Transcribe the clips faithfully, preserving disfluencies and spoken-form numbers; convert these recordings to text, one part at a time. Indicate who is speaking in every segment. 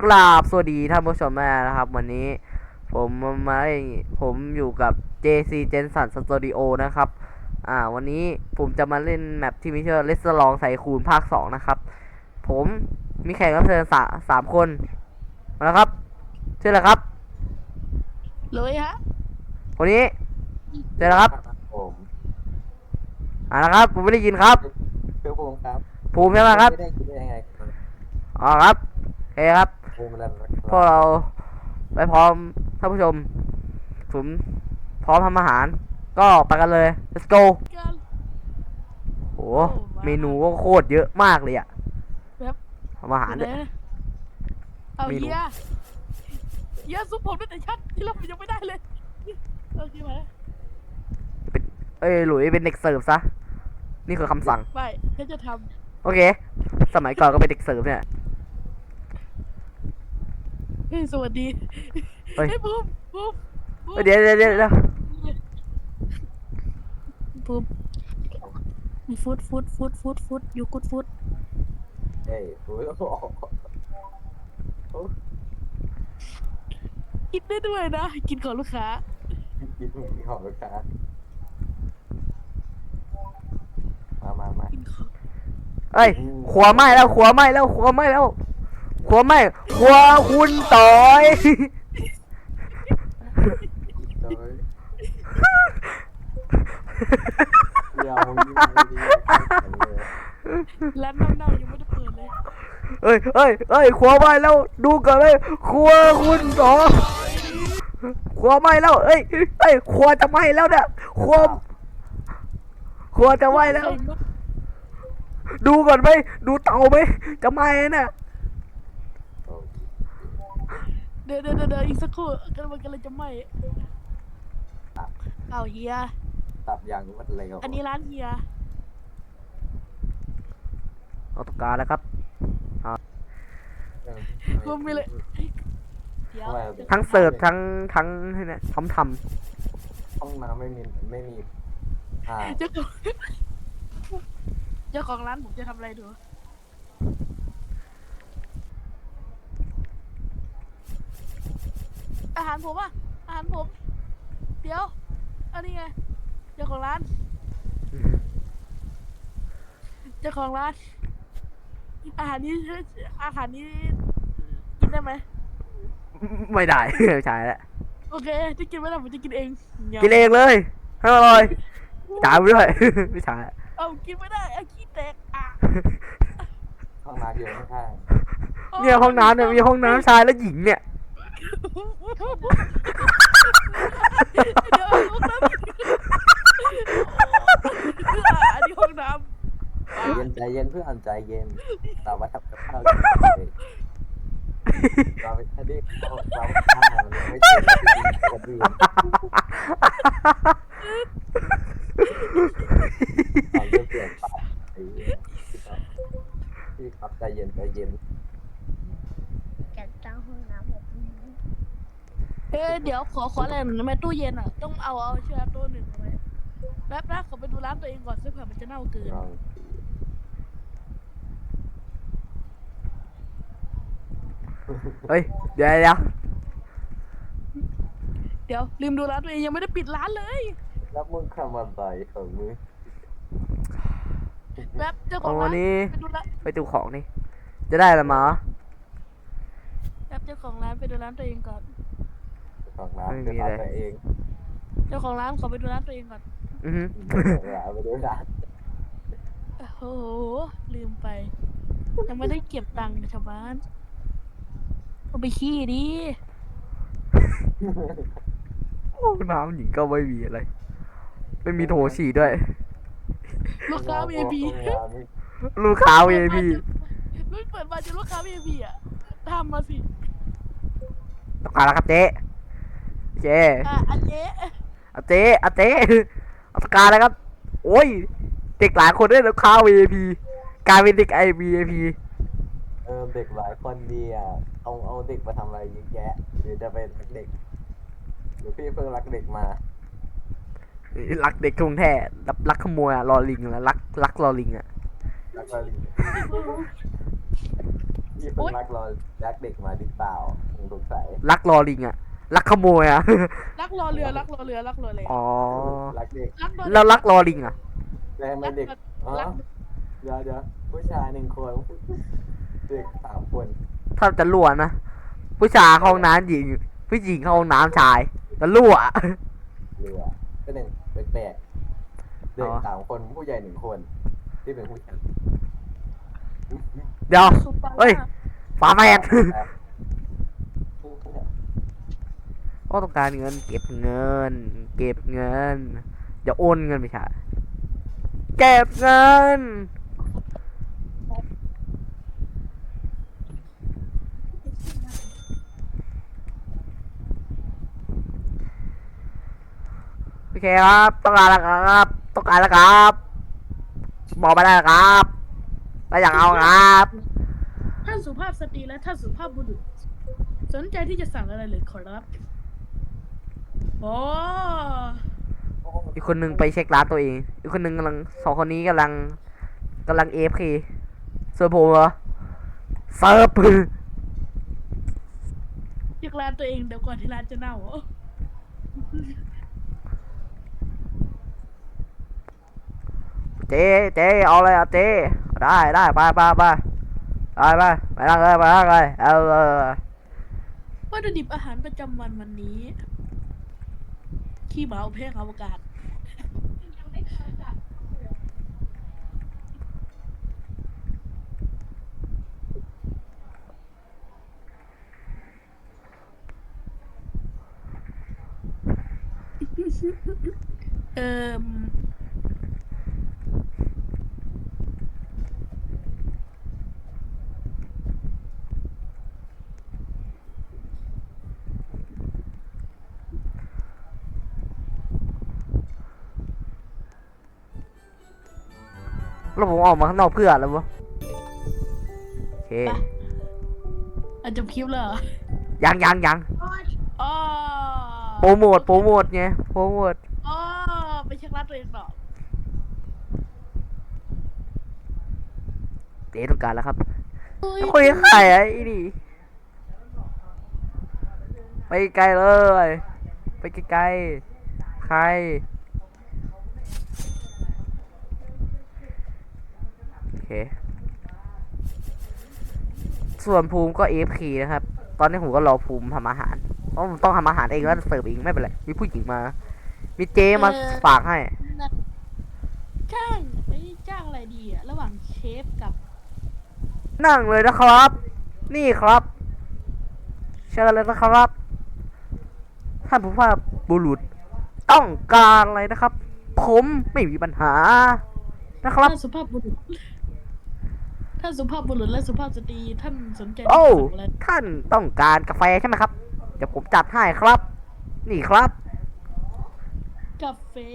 Speaker 1: ราบสวัสดีท่านผู้ชมนะครับวันนี้ผมมาผมอยู่กับ เจ ซี Jensen Studio นะครับอ่าวันนี้ผมจะมาเล่นแมปที่มีชื่อ Let's ลองใส่คูณภาคสองนะครับผมมีแขกรับเชิญสาสามคนมาแล้วครับชื่ออะไรครับ
Speaker 2: เลยฮะ
Speaker 1: คนนี้ชื่ออะไรครับ
Speaker 3: ผม
Speaker 1: อ่านะครับผมไม่ได้ยินครับ
Speaker 3: เพื่อภูมิครับ
Speaker 1: ภูมิใช่ไหมครับ
Speaker 3: ไม่ได้คิดได้ยังไงครับ
Speaker 1: อ๋อครับโอเคครับ
Speaker 3: ภูมิแล้ว
Speaker 1: พวกเราไปพร้อมท่านผู้ชมผมพร้อมทำอาหารก็ไปกันเลย let's go
Speaker 2: กัน
Speaker 1: โหเมนูก็โคตรเยอะมากเลยอะ
Speaker 2: แบบ
Speaker 1: ทำอาหาร
Speaker 2: เดี๋
Speaker 1: เนี่ย
Speaker 2: วย เอา
Speaker 1: เมนู
Speaker 2: เฮียเฮียซุปผมตั้งแต่ชัดที่เรายังไม่ได้เลยโอเคไหม
Speaker 1: เป็นเอ้ยหลุยเป็นเด็กเสิร์ฟซะนี่คือคำสั่ง
Speaker 2: ไม่ฉันจะท
Speaker 1: โอเค สมัยก่อนก็เป็นเด็กเสิร์ฟเนี่ย
Speaker 2: ำเฮ้ยสวัสดี
Speaker 1: เฮ้ย
Speaker 2: เฮ้ยบูมบูมบูม
Speaker 1: เดี๋ยวเดี๋ยวเดี๋ยวเดี๋ยว
Speaker 2: บูมฟูดฟูดฟูดฟูดฟูดยูกูดฟูด
Speaker 3: เอ้ยโอ้ยโอ้
Speaker 2: กินได้ด้วยนะ กินก่อนลูกค้า
Speaker 3: กินของลูกค้ามามามา
Speaker 2: กินก่อน
Speaker 1: เอ้ยขัวไหม้แล้วขัวไหม้แล้วขัวไหม้แล้วขัวไหม้ขัวคุณต่อย
Speaker 3: โดยเดี๋ยวมึงยิ่งไม่ดีเลย
Speaker 2: ร้านเน่าๆยังไม่ได้เปิดเลย
Speaker 1: เอ้ยเอ้ยเอ้ยขัวไหม้แล้วดูก่อนเลยขัวคุณต่อยขัวไหม้แล้วเอ้ยเอ้ยขัวจะไหม้แล้วเนี่ยขัวขัวจะไหม้แล้ว ดูก่อนไหมดูเตาไหมจะไหม้น่ะ
Speaker 2: เดี๋ยวเดี๋ยวเดี๋ยวอีกสักครู่กำลังกำลังจะไหม้เอาเฮีย
Speaker 3: ตับอย่างมันเร็ว
Speaker 2: อันนี้ร้านเฮีย
Speaker 1: เอาตกการแล้วครับ
Speaker 2: รวมไปเลยเดี๋ยว
Speaker 1: ทั้งเสิร์ฟทั้งทั้งเนี่ยทำท
Speaker 3: ห้องน้ำไม่มีไม่มีอ่า
Speaker 2: เจ้าของเจ้าของร้านผมจะทำอะไรดูอาหารผมอะอาหารผม เดี๋ยวอันนี้ไงเจ้าของร้าน เจ้าของร้านอาหารนี้อาหารนี้กินได้ไหม
Speaker 1: ำไม่ได้ ไม่ใช่แล้ว
Speaker 2: โอเคที่กินไม่ได้ผมจะกินเอง
Speaker 1: กินเองเลยให้อร่อยจ่ายไปด้วย ไม่ใช่
Speaker 2: เอากินไม่ได้เอาขี้แตกอ่ะ
Speaker 3: ห้องน้ำอยู่ข้าง
Speaker 1: เนี่ยห้องน้ำเนี่ยมีห้องน้ำชายและหญิงเนี่ย
Speaker 2: เดี๋ยวห้องน้ำอันนี้ห้องน้ำ
Speaker 3: ใจเย็นใจเย็นเพื่อนใจเย็นเรามาทำกับข้าวเราไปอันนี้เราเราข้าวไม่ใช่คนอื่นเราจะเปลี่ยนไปพี่ครับใจเย็นใจเย็น
Speaker 4: จัดตั้งห้องน้ำแบบนี้
Speaker 2: เฮ้ยเดี๋ยวขอขออะไรหนึ่งนะแม่ตู้เย็นอ่ะต้องเอาเอาเชือกตัวหนึ่งเอาไว้แป๊บนะขอไปดูร้านตัวเองก่อนซึ่งเผื่อมันจะเน่าเกิน
Speaker 1: เฮ้ยเดี๋ยวเดี๋ยว
Speaker 2: เดี๋ยวลืมดูร้านตัวเองยังไม่ได้ปิดร้านเลย
Speaker 3: แล้วมึงทำอะไรของมึง
Speaker 2: แป๊บเจ้าข
Speaker 1: เอา
Speaker 2: อง
Speaker 1: วั
Speaker 2: ร้าน น
Speaker 1: นี้
Speaker 2: ไปดูร้าน
Speaker 1: ไปดูของนี่จะได้ละมั้ง
Speaker 2: แป๊บเจ้าของร้านไปดูร้านตัวเองก่อน
Speaker 3: ของร้านเป็นร้านตัวเอง
Speaker 2: เจ้าของร้านขอไปดูร้านตัวเองก่อน
Speaker 1: อือฮึ
Speaker 3: ร้านไปดูร้าน
Speaker 2: โอ้โหลืมไปยังไม่ได้เก็บตังค์กับชาวบ้านเอาไปขี้ดิ
Speaker 1: ห้องน้ำหญิงก็ไม่มีอะไรไม่มีโถฉี่ด้วย
Speaker 2: ลูกค้า วี ไอ พี
Speaker 1: ลูกค้า วี ไอ พี
Speaker 2: ลูกเปิดมาจะลูกค้า วี ไอ พี อ่ะทำมาสิ
Speaker 1: ตกการแล้วครับเจ๊เจ๊
Speaker 2: อ่ะอันเจ๊
Speaker 1: เอาเจ๊เอาเจ๊เอาตกการแล้วครับโอ้ยเด็กหลายคนได้ลูกค้า วี ไอ พี กลายเป็นเด็กไอ วี ไอ พี
Speaker 3: เออเด็กหลายคนดีอ่ะเอาเอาเด็กมาทำอะไรเยอะแยะหรือจะเป็นเด็กหรือพี่เพิ่งรักเด็กมา
Speaker 1: รักเด็กกรุงแท้รักรักขโมยอะรอลิงอะรักรักรอลิงอะ
Speaker 3: รักอะไรพี่เพิ่งรักรอรักเด็กมาหรือเปล่าผมสงสัย
Speaker 1: ลักลอลิงอะลักขโมยอะ
Speaker 2: รักรอเรือรักรอเรือรักรอเรือ
Speaker 1: อ๋อ
Speaker 3: รักเด็ก
Speaker 2: รักรอ
Speaker 1: แล้วลักลอลิงอะ
Speaker 3: แล้วทำไมเด็กอ๋อ
Speaker 2: รัก
Speaker 3: เดี๋ยวเดี๋ยวผู้ชายหนึ่งคนเด็กสามคน
Speaker 1: ถ้าจะรั่วนะ ผู้ชายเข้าห้องน้ำหญิง ผู้หญิงเข้าห้องน้ำชายจะรั่ว
Speaker 3: เรือก็หนึ่งแปลกๆเด็ก
Speaker 1: อ๋อ
Speaker 3: สามคนผู้ใหญ่หนึ่งคนที่เป็นผู้ชาย
Speaker 1: เดี๋ยว
Speaker 2: สุปา
Speaker 1: เฮ้ย ฝาแฝด ก็ต้องการเงิน เก็บเงิน เก็บเงินอย่าโอนเงินไปใช่เก็บเงิน โอเคครับต้องการแล้วครับต้องการแล้วครับบอกไปได้แล้วครับแล้วอยากเอาครับ
Speaker 2: ท่านสุภาพสตรีและท่านสุภาพบุรุษสนใจที่จะสั่งอะไรเลยขอรับโอ้
Speaker 1: อีกคนนึงไปเช็คร้านตัวเอง อีกคนนึงกำลังสองคนนี้กำลังกำลังเอฟเคส่วนผมเหรอเซิร์ฟ
Speaker 2: ยกร้านตัวเองเดี๋ยวก่อนที่ร้านจะเน่า
Speaker 1: เจ๊เจ๊เอาเลยอ่ะเจ๊ได้ได้ไปไปไปไปไปไปนั่งเลยไปนั่งเลยเอาเออ
Speaker 2: วัตถุดิบอาหารประจำวันวันนี้ ขี้หมาอบแห้งอวกาศ เอ่ม
Speaker 1: แล้วผมออกมาข้างนอกเพื่ออะไรวะโอเค
Speaker 2: ไปอาจจะคลิปเลยเหรอ
Speaker 1: ยังยังยัง
Speaker 2: อ๋อ
Speaker 1: โปรโมทโปรโมทไงโปรโมท
Speaker 2: อ๋อไปเช็คร้านตัวเองต่อ
Speaker 1: เจ๊ต้องการแล้วครับ
Speaker 2: เฮ้ย
Speaker 1: คุยกับใครอ่ะไอ้นี่ไปไกลเลย ไปไกลๆใครโอเคส่วนภูมิก็ เอ เอฟ เค นะครับ ตอนนี้ผมก็รอภูมิทำอาหารเพราะผมต้องทำอาหารเองแล้วเสิร์ฟเองไม่เป็นไรมีผู้หญิงมา มีเจมาฝากให้
Speaker 2: นะจ้างไอ้ยจ้างอะไรดีอะระหว่างเชฟกับ
Speaker 1: นั่งเลยนะครับ นี่ครับ เชิญเลยนะครับ ท่านผู้ว่าบุรุษต้องการอะไรนะครับ ผมไม่มีปัญหานะครับ
Speaker 2: ท่านสุภาพบุรุษท่านสุภาพบุรุษและสุภาพสตรีท่านสนใจ
Speaker 1: โอ้
Speaker 2: สั่งอะไร
Speaker 1: ท่านต้องการกาแฟใช่ไหมครับ เดี๋ยวผมจัดให้ครับ นี่ครับ
Speaker 2: กาแฟ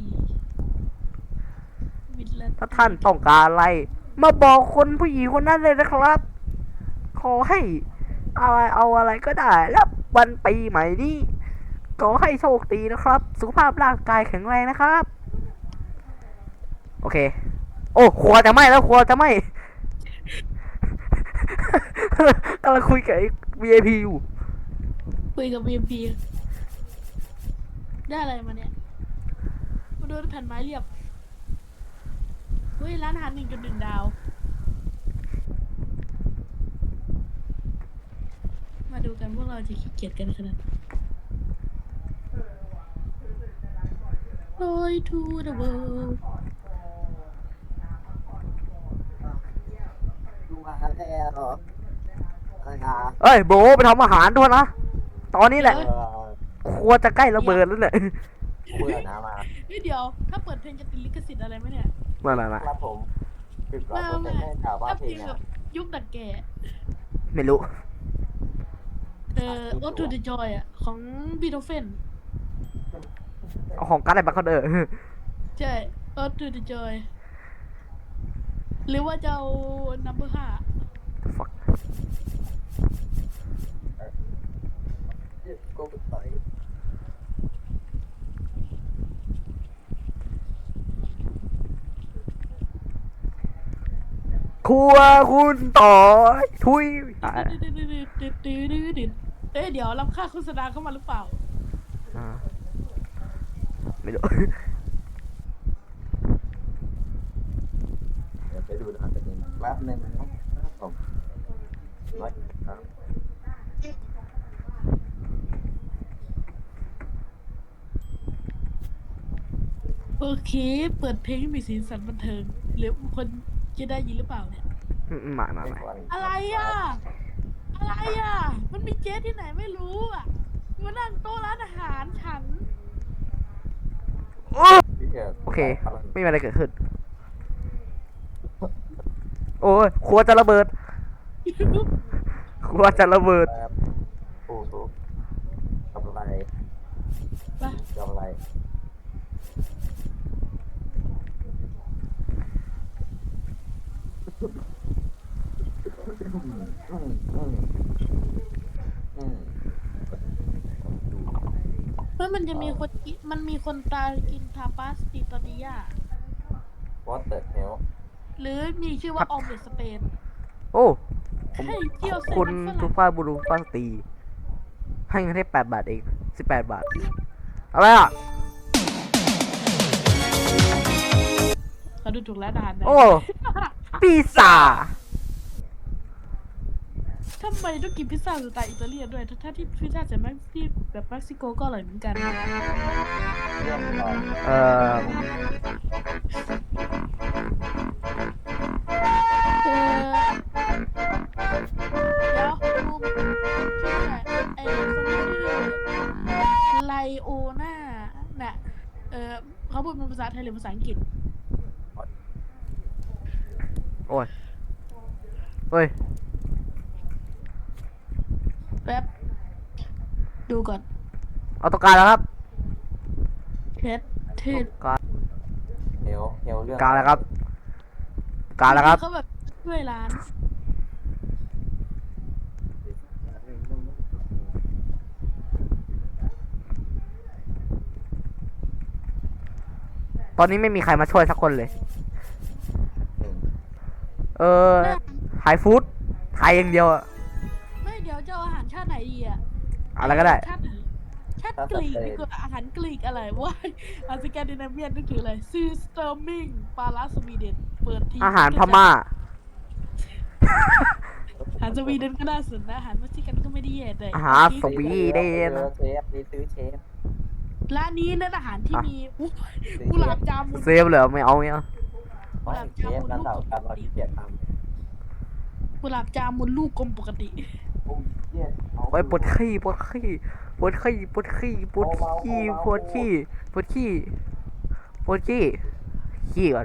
Speaker 2: วิดและ
Speaker 1: ถ้าท่านต้องการอะไร มาบอกคนผู้หญิงคนนั้นเลยนะครับ ขอให้อะไรเอาอะไรก็ได้ แล้ววันปีใหม่นี้ขอให้โชคดีนะครับ สุขภาพร่างกายแข็งแรงนะครับ โอเค โอ้ครัวจะไหม้แล้วครัวจะไหม้ กำลังคุยกับไอ้ วี ไอ พี อยู่
Speaker 2: คุยกับ บี เอ็ม พี ได้อะไรมาเนี่ยมาดูแผ่นไม้เรียบเฮ้ยร้านอาหารหนึ่งจุดหนึ่งดาว มาดูกันพวกเราจะขี้เกียจกันขนาดไหน Joy to the world
Speaker 3: ดูมาแล้วนะครับ
Speaker 1: เอ้ยโบไปทำอาหารด้วยนะ ตอนนี้แหละ
Speaker 3: เออ
Speaker 1: ครัวจะใกล้ระเบิดแล้วเนี่ย
Speaker 3: เบื่อนะมา
Speaker 2: เฮ้ยเดี๋ยว ถ้าเปิดเพลงจะติดลิขสิทธิ์อะไรไหมเนี่ย
Speaker 1: มามามา
Speaker 3: ครับผมปิดร้อย
Speaker 2: มา
Speaker 3: เปอร์เซ็นต์
Speaker 2: มา
Speaker 3: ให้ข่าวว่า
Speaker 2: ถ้า
Speaker 3: เพล
Speaker 2: เพล
Speaker 3: ง
Speaker 2: ง
Speaker 3: อ่ะ
Speaker 2: แบบยุคดักแก่
Speaker 1: ไม่รู้
Speaker 2: เอ่อ Ode to the Joy อ่ะ ของบีโธเฟน
Speaker 1: เอาของกัดอะไรมาเขาเด้อ
Speaker 2: ใช่ Ode to the Joy หรือว่าจะเอา number ห้า
Speaker 1: fuck
Speaker 3: ก็ต่อย
Speaker 1: ขครัวคุณต่อยทุยอ่า
Speaker 2: เอ้ยเดี๋ยวรับค่าโฆษณาเข้ามาหรือเปล่า
Speaker 1: อ่าไม่รู้
Speaker 3: เดี๋ยวไปดูนะครับเป็นยังไงแป๊บนึงนะครับผมน้อยครับ
Speaker 2: โอเค เปิดเพลงให้มีสีสันบันเทิงหรือคนจะได้ยินหรือเปล่าเนี่ย
Speaker 1: อืมมามามา
Speaker 2: อะไรอ่ะ อะไรอ่ะ มันมีเจ๊ที่ไหนไม่รู้อ่ะมานั่งโต๊ะร้านอาหารฉัน
Speaker 3: พี่เขียว
Speaker 1: โอเค ไม่มีอะไรเกิดขึ้น โอ้ยครัวจะระเบิด ครัวจะระเบิด
Speaker 3: แป๊บโอ้โหทำอะไร
Speaker 2: ไป
Speaker 3: ทำอะไรอืมอืมอืม
Speaker 2: เมื่อมันจะมีคนกินมันมีคนตายกินทาปาสติตอดิยา
Speaker 3: What the hell
Speaker 2: หรือมีชื่อว่าออมเล็ตสเปน
Speaker 1: โอ้
Speaker 2: ไข่เจียว
Speaker 1: ขอบ
Speaker 2: เส้น
Speaker 1: คุณ
Speaker 2: มันฝ
Speaker 1: ทุ
Speaker 2: รั่
Speaker 1: ก
Speaker 2: ง
Speaker 1: ฟ้าบุรุษฟ้าสตรีให้เงินให้แปดบาทเองสิบแปดบาท อะไรอ่ะ
Speaker 2: เขาดูถูกร้านอาหารนะ
Speaker 1: โอ้ พิซซ่า
Speaker 2: ทำไมต้องกินพิซซ่าสไตล์อิตาเลียนด้วยถ้าที่พิซซ่าจากเม็กซิแบบเม็กซิโกก็อร่อยเหมือนกัน
Speaker 3: เรียบร้อย
Speaker 1: เอ่อ
Speaker 2: เออเดี๋ยวบูมชื่ออะไรไอคนนี้ชื่อไลโอนาน่ะเออเขาพูดเป็นภาษาไทยหรือภาษาอังกฤษ
Speaker 1: โอ้ยเฮ้ย
Speaker 2: แป๊บ ดูก่อน
Speaker 1: เอาตัวการแล้วครับ
Speaker 2: เพชรเทศ
Speaker 1: การ
Speaker 3: เฮลเฮลเรื่อง
Speaker 1: การแล้วครับ การแล้วครับ
Speaker 2: เขาแบบช่วยร้าน
Speaker 1: ตอนนี้ไม่มีใครมาช่วยสักคนเลย
Speaker 3: หนึ่ง
Speaker 1: เออไฮฟู้ดไทยอย่างเดียวอะ
Speaker 2: ไม่เดี๋ยวจะเอาอาหารชาติไหนดีอ่ะ
Speaker 1: อะไรก็ได้
Speaker 2: ชาติไหนชาติกรีกดีกว่าอาหารกรีกอะไรวะอาสแกนดิเนเวียนนึกถึงอะไรซีสเตอร์มิงปลาลาสวีเดนเปิดที
Speaker 1: อาหารพม่า
Speaker 2: อาหารสวีเดนก็น่าสนนะอาหารเม็กซิกันก็ไม่ได้แย่เลย
Speaker 1: อาหารสวีเดน
Speaker 3: เชฟนี่ซื้อเชฟ
Speaker 2: ร้านนี้นั่นอาหารที่
Speaker 1: อ่ะ
Speaker 2: มีอุ๊ยกุหลาบจามุน
Speaker 1: เซฟเหรอไม่เอาไม่เอา
Speaker 3: ไม่เชฟนั่นเราการเราขี้เกียจท
Speaker 2: กุหลาบจามุนลูกกลมปกติ
Speaker 3: ำโอ้ยเหี้ยเอา
Speaker 1: ไว้ปวดขี้ปวดขี้ปวดขี้ปวดขี้ปวดขี้ปวดขี้ปวดขี้ปวดขี้ขี้ก่อน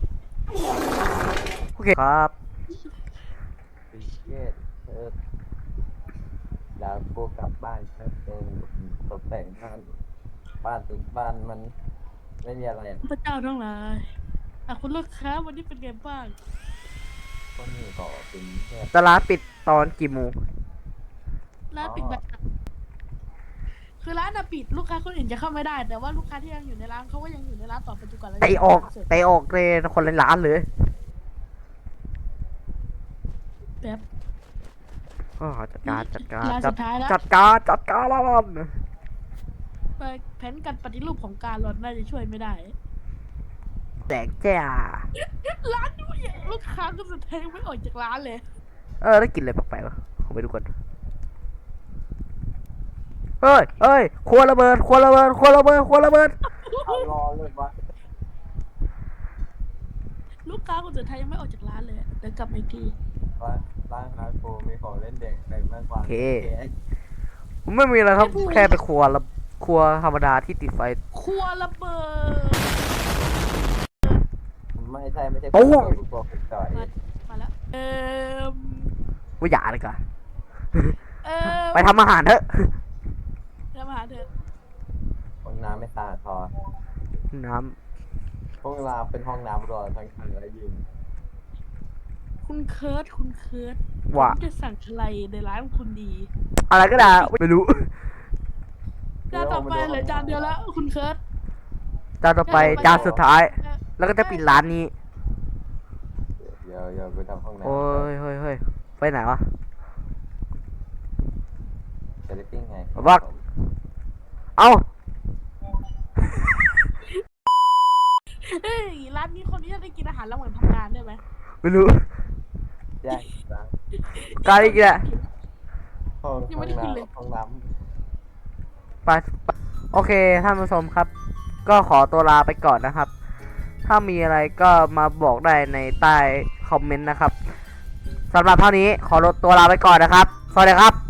Speaker 1: โอเคครับ
Speaker 3: ไอ้เหี้ยเออแล้วกูกลับบ้านแป๊บนึงตกแต่งบ้านบ้านติดบ้านมันไม่มีอะไรอะ
Speaker 2: พระเจ้าทั้งหลายอ่ะคุณลูกค้าวันนี้เป็นไงบ้าง
Speaker 3: ก็นี่ก็เป็นแค่
Speaker 1: ตลาดปิดตอนกี่โมง
Speaker 2: ร้านปิดแบบคือร้านอะปิดลูกค้าคนอื่นจะเข้าไม่ได้ แต่ว่าลูกค้าที่ยังอยู่ในร้านเขาก็ยังอยู่ในร้านต่อไปจนกว่าเราจะ
Speaker 1: เตะออกเตะออกเลยคนละร้านเลย
Speaker 2: แป๊บ
Speaker 1: อ๋อจัดการจัดการ
Speaker 2: ร้าน
Speaker 1: จั
Speaker 2: สุ
Speaker 1: ด
Speaker 2: ดท้ายแล้ว
Speaker 1: จัดการจัดการแล้วกัน
Speaker 2: แผนการปฏิรูปของการรอนน่าจะช่วยไม่ได้
Speaker 1: แดงจ้า
Speaker 2: ร้านนี้ลูกค้าก็จะแทงไม่ออกจากร้านเลย
Speaker 1: เออได้กลินอะไรแปลกๆวะขอไปดูก่อนเฮ้ยเฮ้ยครัวระเบิดครัวระเบิดครัวระเบิดครัวระเบิด
Speaker 3: เอารอเลยวะ
Speaker 2: ลูกค้าคนสุดท้ายยังไม่ออกจากร้านเลยเดี๋ยวกลับมาอีกที
Speaker 3: ว่าร้านฮาร์ดโคมีของเล่นเด็กแต่มากกว่า
Speaker 1: ผมไม่มีอะไรครับแค่ไปครัวละครัวธรรมดาที่ติดไฟ
Speaker 2: ครัวระเบิด
Speaker 3: ไม่ใช่ไม่ใช่
Speaker 1: โอ้โห
Speaker 3: ตัวผมจ่อย
Speaker 2: มามาแล้ว เอ่ม
Speaker 1: ว่าอย่าเลยกัน
Speaker 2: เอ่ม
Speaker 1: ไปทำอาหารเถอะ
Speaker 2: ทำอาหารเถอะ
Speaker 3: ห้องน้ำไม่สะอาดพอ
Speaker 1: น้
Speaker 3: ห้องน้ำเป็นห้องน้ำรอทั้งคันและยิง
Speaker 2: คุณเคิร์ดคุณเคิร์ด
Speaker 1: ำว่า
Speaker 2: ผมจะสั่งอะไรในร้านคุณดี
Speaker 1: อะไรก็ได้ไม่รู้
Speaker 2: จานต่อไปเหลือจานเดียวแล้ว คุณเคิร์ด
Speaker 1: จานต่อไปจานสุดท้าย แล้วก็จะปิดร้านนี้
Speaker 3: เดี๋ยวดี๋ยวเดี๋ยวไปทำห้องน้ำ
Speaker 1: โอ้ยเฮ้ยเฮ้ยไปไหนวะ
Speaker 3: เซเลติ้งไง
Speaker 1: บัก เอ้า
Speaker 2: เฮ้ยร้านนี้คนนี้จะได้กินอาหารระหว่างทำงานได้ไหม
Speaker 1: ไม่รู้
Speaker 3: แยกล้าง
Speaker 1: การอีกแหละ
Speaker 3: ห้อง
Speaker 2: ยัง
Speaker 3: ห้
Speaker 2: ไม่
Speaker 3: อง
Speaker 2: ได้กินเลย
Speaker 3: น้ำห้องน้
Speaker 1: ไปไปโอเคท่านผู้ชมครับ ก็ขอตัวลาไปก่อนนะครับ ถ้ามีอะไรก็มาบอกได้ในใต้คอมเมนต์นะครับสำหรับเท่านี้ขอตัวลาไปก่อนนะครับ สวัสดีครับ